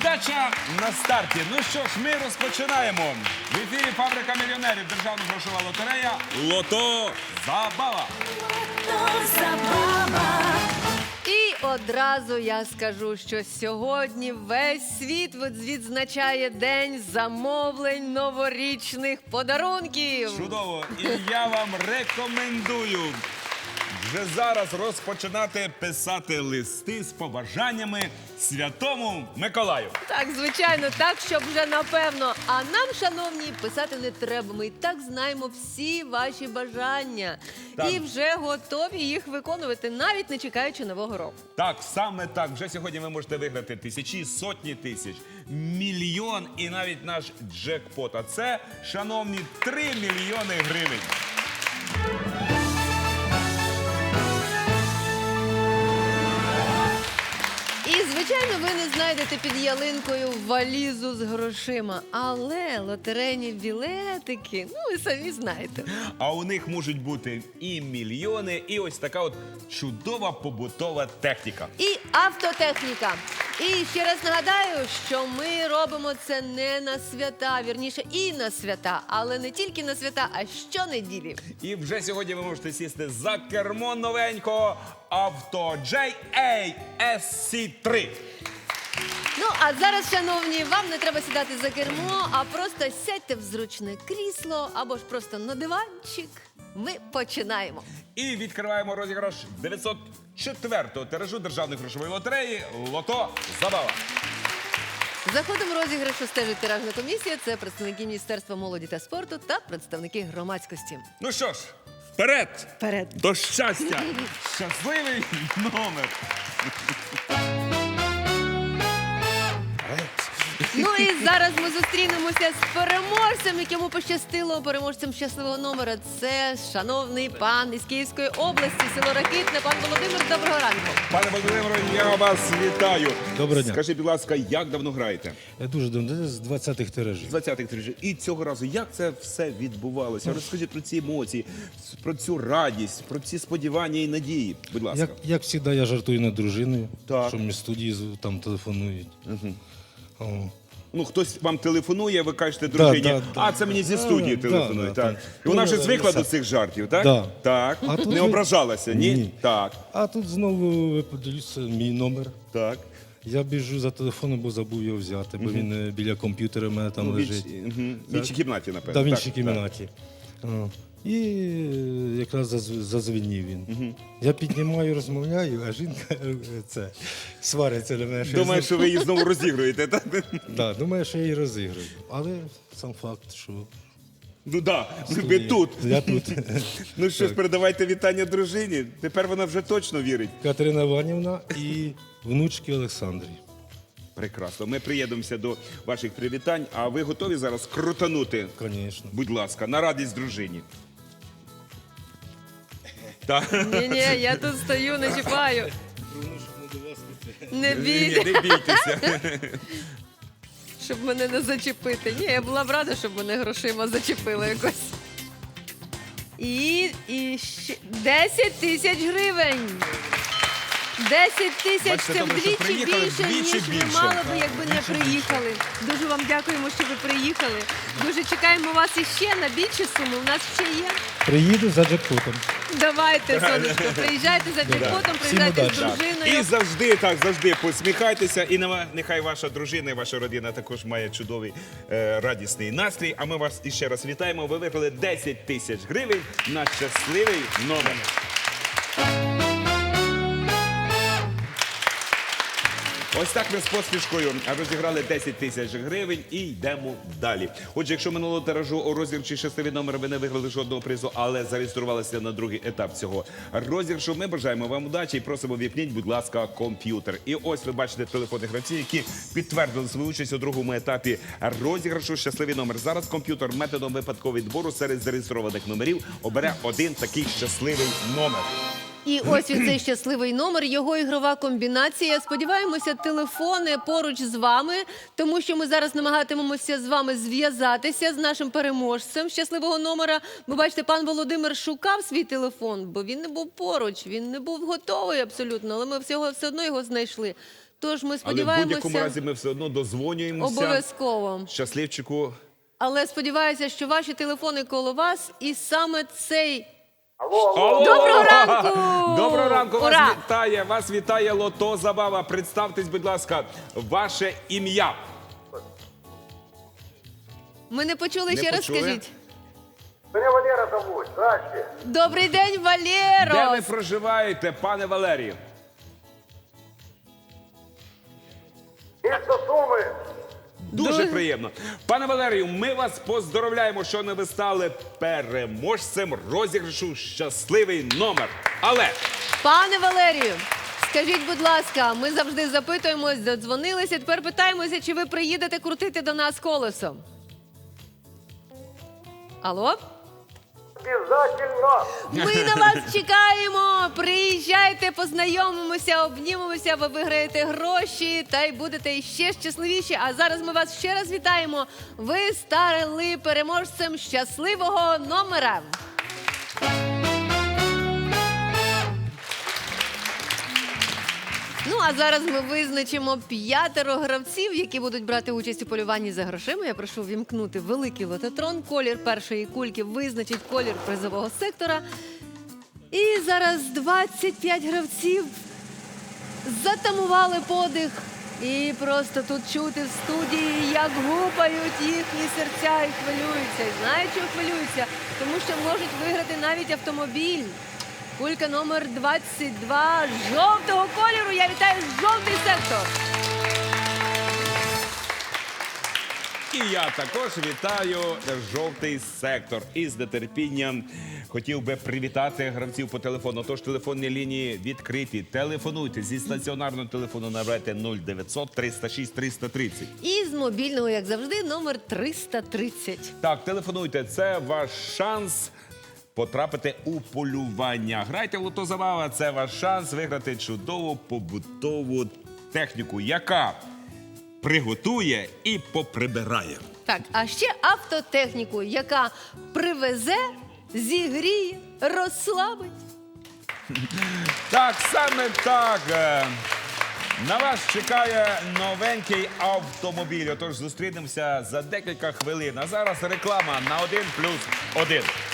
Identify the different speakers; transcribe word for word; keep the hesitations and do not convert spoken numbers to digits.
Speaker 1: Передача на старті. Ну що ж, ми розпочинаємо. В ефірі «Фабрика мільйонерів», державна грошова лотерея «Лото Забава».
Speaker 2: І одразу я скажу, що сьогодні весь світ відзначає День замовлень новорічних подарунків.
Speaker 1: Чудово! І я вам рекомендую вже зараз розпочинати писати листи з побажаннями Святому Миколаю.
Speaker 2: Так, звичайно, так, щоб вже напевно. А нам, шановні, писати не треба. Ми і так знаємо всі ваші бажання.
Speaker 1: Так.
Speaker 2: І вже готові їх виконувати, навіть не чекаючи Нового року.
Speaker 1: Так, саме так. Вже сьогодні ви можете виграти тисячі, сотні тисяч, мільйон і навіть наш джекпот. А це, шановні, три мільйони гривень.
Speaker 2: І, звичайно, ви не знайдете під ялинкою валізу з грошима. Але лотерейні білетики, ну, ви самі знаєте.
Speaker 1: А у них можуть бути і мільйони, і ось така от чудова побутова техніка.
Speaker 2: І автотехніка. І ще раз нагадаю, що ми робимо це не на свята, вірніше, і на свята, але не тільки на свята, а щонеділі.
Speaker 1: І вже сьогодні ви можете сісти за кермо новенького авто джей ей ес сі три.
Speaker 2: Ну, а зараз, шановні, вам не треба сідати за кермо, а просто сядьте в зручне крісло або ж просто на диванчик. Ми починаємо.
Speaker 1: І відкриваємо розіграш дев'ятсот четвертого тиражу державної грошової лотереї «Лото Забава».
Speaker 2: За ходом розіграшу стежить тиражна комісія. Це представники Міністерства молоді та спорту та представники громадськості.
Speaker 1: Ну що ж, вперед!
Speaker 2: Вперед!
Speaker 1: До щастя! Щасливий номер!
Speaker 2: Ну і зараз ми зустрінемося з переможцем, якому пощастило, переможцем щасливого номера. Це шановний пан із Київської області, село Ракитне. Пан Володимир, доброго ранку.
Speaker 1: Пане Володимире, я вас вітаю.
Speaker 3: Доброго дня.
Speaker 1: Скажіть, будь ласка, як давно граєте?
Speaker 3: Я дуже давно, з двадцятих тиражів.
Speaker 1: З двадцятих тиражів. І цього разу, як це все відбувалося? Розкажіть про ці емоції, про цю радість, про ці сподівання і надії. Будь ласка.
Speaker 3: Як, як завжди, я жартую над дружиною,
Speaker 1: Так.
Speaker 3: що мені студії з- там телефонують. Угу. О.
Speaker 1: Ну, хтось вам телефонує, ви кажете дружині,
Speaker 3: да, да,
Speaker 1: а це мені зі студії
Speaker 3: да,
Speaker 1: телефонують.
Speaker 3: да,
Speaker 1: так.
Speaker 3: так.
Speaker 1: І вона вже
Speaker 3: Ну,
Speaker 1: звикла
Speaker 3: да,
Speaker 1: до цих жартів, так?
Speaker 3: Да.
Speaker 1: Так.
Speaker 3: А тут
Speaker 1: Не
Speaker 3: ви-
Speaker 1: ображалася, ні?
Speaker 3: Ні.
Speaker 1: Так.
Speaker 3: А тут знову ви подивіться мій номер.
Speaker 1: Так.
Speaker 3: Я біжу за телефоном, бо забув його взяти, бо він е, біля комп'ютера в мене там
Speaker 1: Ну, в
Speaker 3: лежить.
Speaker 1: іншій- мгм. В іншій кімнаті, напевно.
Speaker 3: Да, в
Speaker 1: Так,
Speaker 3: іншій
Speaker 1: так.
Speaker 3: кімнаті. О. І е, якраз заз- зазвенів він. Я піднімаю, розмовляю, а жінка е, це, свариться на мене. що я
Speaker 1: Думаю,
Speaker 3: знов-
Speaker 1: що ви її знову розігруєте, так?
Speaker 3: Да, думаю, що я її розіграю. Але сам факт, що
Speaker 1: Ну так, ви тут.
Speaker 3: я тут.
Speaker 1: Ну що ж, передавайте вітання дружині. Тепер вона вже точно вірить.
Speaker 3: Катерина Іванівна і внучки Олександрі.
Speaker 1: Прекрасно. Ми приєднемося до ваших привітань, а ви готові зараз крутанути?
Speaker 3: Звісно.
Speaker 1: Будь ласка, на радість дружині. Так.
Speaker 2: Ні-ні, я тут стою, не чіпаю. Не
Speaker 1: Ні,
Speaker 2: бійте,
Speaker 1: не бійтеся.
Speaker 2: щоб мене не зачепити. Ні, я була б рада, щоб мене грошима зачепили якось. І, і ще десять тисяч гривень. десять тисяч
Speaker 1: Бачите,
Speaker 2: це
Speaker 1: добре, що
Speaker 2: вдвічі
Speaker 1: приїхали,
Speaker 2: більше,
Speaker 1: вдвічі
Speaker 2: ніж ви
Speaker 1: більше.
Speaker 2: мали би, якби не приїхали. Дуже вам дякуємо, що ви приїхали. Дуже чекаємо вас іще на більші суми. У нас ще є.
Speaker 3: Приїду за джекпотом.
Speaker 2: Давайте, сонечко, приїжджайте за джекпотом, приїжджайте з
Speaker 3: удачі.
Speaker 2: дружиною.
Speaker 1: І завжди, так, завжди посміхайтеся. І нема- нехай ваша дружина і ваша родина також має чудовий е, радісний настрій. А ми вас іще раз вітаємо. Ви виграли десять тисяч гривень на щасливий номер. Ось так ми з посмішкою розіграли десять тисяч гривень і йдемо далі. Отже, якщо минулого тиражу у розіграші щасливий номер ви не виграли жодного призу, але зареєструвалися на другий етап цього розіграшу, ми бажаємо вам удачі і просимо віпніть, будь ласка, комп'ютер. І ось ви бачите телефонні гравці, які підтвердили свою участь у другому етапі розіграшу щасливий номер. Зараз комп'ютер методом випадкового відбору серед зареєстрованих номерів обере один такий щасливий номер.
Speaker 2: І ось він цей щасливий номер, його ігрова комбінація. Сподіваємося, телефони поруч з вами, тому що ми зараз намагатимемося з вами зв'язатися з нашим переможцем щасливого номера. Ви бачите, пан Володимир шукав свій телефон, бо він не був поруч, він не був готовий абсолютно, але ми всього все одно його знайшли. Тож ми
Speaker 1: Але в
Speaker 2: сподіваємося
Speaker 1: будь-якому разі ми все одно дозвонюємося.
Speaker 2: обов'язково.
Speaker 1: Щасливчику.
Speaker 2: Але сподіваюся, що ваші телефони коло вас і саме цей...
Speaker 1: Алло!
Speaker 2: Доброго ранку!
Speaker 1: Доброго ранку!
Speaker 2: Ура!
Speaker 1: Вас вітає, вас вітає Лото Забава. Представтесь, будь ласка, ваше ім'я.
Speaker 2: Ми не почули,
Speaker 1: Не
Speaker 2: ще раз
Speaker 1: почули?
Speaker 2: скажіть.
Speaker 4: Меня Валера зовут. Здрасте.
Speaker 2: Добрий день, Валєро!
Speaker 1: Де ви проживаєте, пане Валерію?
Speaker 4: Место Сумы.
Speaker 1: Дуже
Speaker 2: Дуже-
Speaker 1: приємно. Пане Валерію, ми вас поздоровляємо, що не ви стали переможцем розіграшу «Щасливий номер». Але
Speaker 2: Пане Валерію, скажіть, будь ласка, ми завжди запитуємось, додзвонилися, тепер питаємося, чи ви приїдете крутити до нас колесо. Алло?
Speaker 4: Обязательно.
Speaker 2: Ми на вас чекаємо. Приїжджайте, познайомимося, обнімемося, ви виграєте гроші та й будете ще щасливіші. А зараз ми вас ще раз вітаємо. Ви стали переможцем щасливого номера. Ну, а зараз ми визначимо п'ятеро гравців, які будуть брати участь у полюванні за грошима. Я прошу вімкнути великий лототрон. Колір першої кульки визначить колір призового сектора. І зараз двадцять п'ять гравців затамували подих. І просто тут чути в студії, як гупають їхні серця і хвилюються. І знають, чого хвилюються? Тому що можуть виграти навіть автомобіль. Кулька номер двадцять два жовтого кольору. Я вітаю жовтий сектор.
Speaker 1: і я також вітаю жовтий сектор. І з нетерпінням хотів би привітати гравців по телефону. Тож телефонні лінії відкриті. Телефонуйте зі стаціонарного телефону, набирайте нуль дев'ятсот триста шість триста тридцять.
Speaker 2: І з мобільного, як завжди, номер триста тридцять.
Speaker 1: Так, телефонуйте, це ваш шанс потрапити у полювання. Грайте в Лото Забава, це ваш шанс виграти чудову побутову техніку, яка приготує і поприбирає.
Speaker 2: Так, а ще автотехніку, яка привезе, зігріє, розслабить.
Speaker 1: Так, саме так. Е, На вас чекає новенький автомобіль. Отож, зустрінемося за декілька хвилин. А зараз реклама на один плюс один.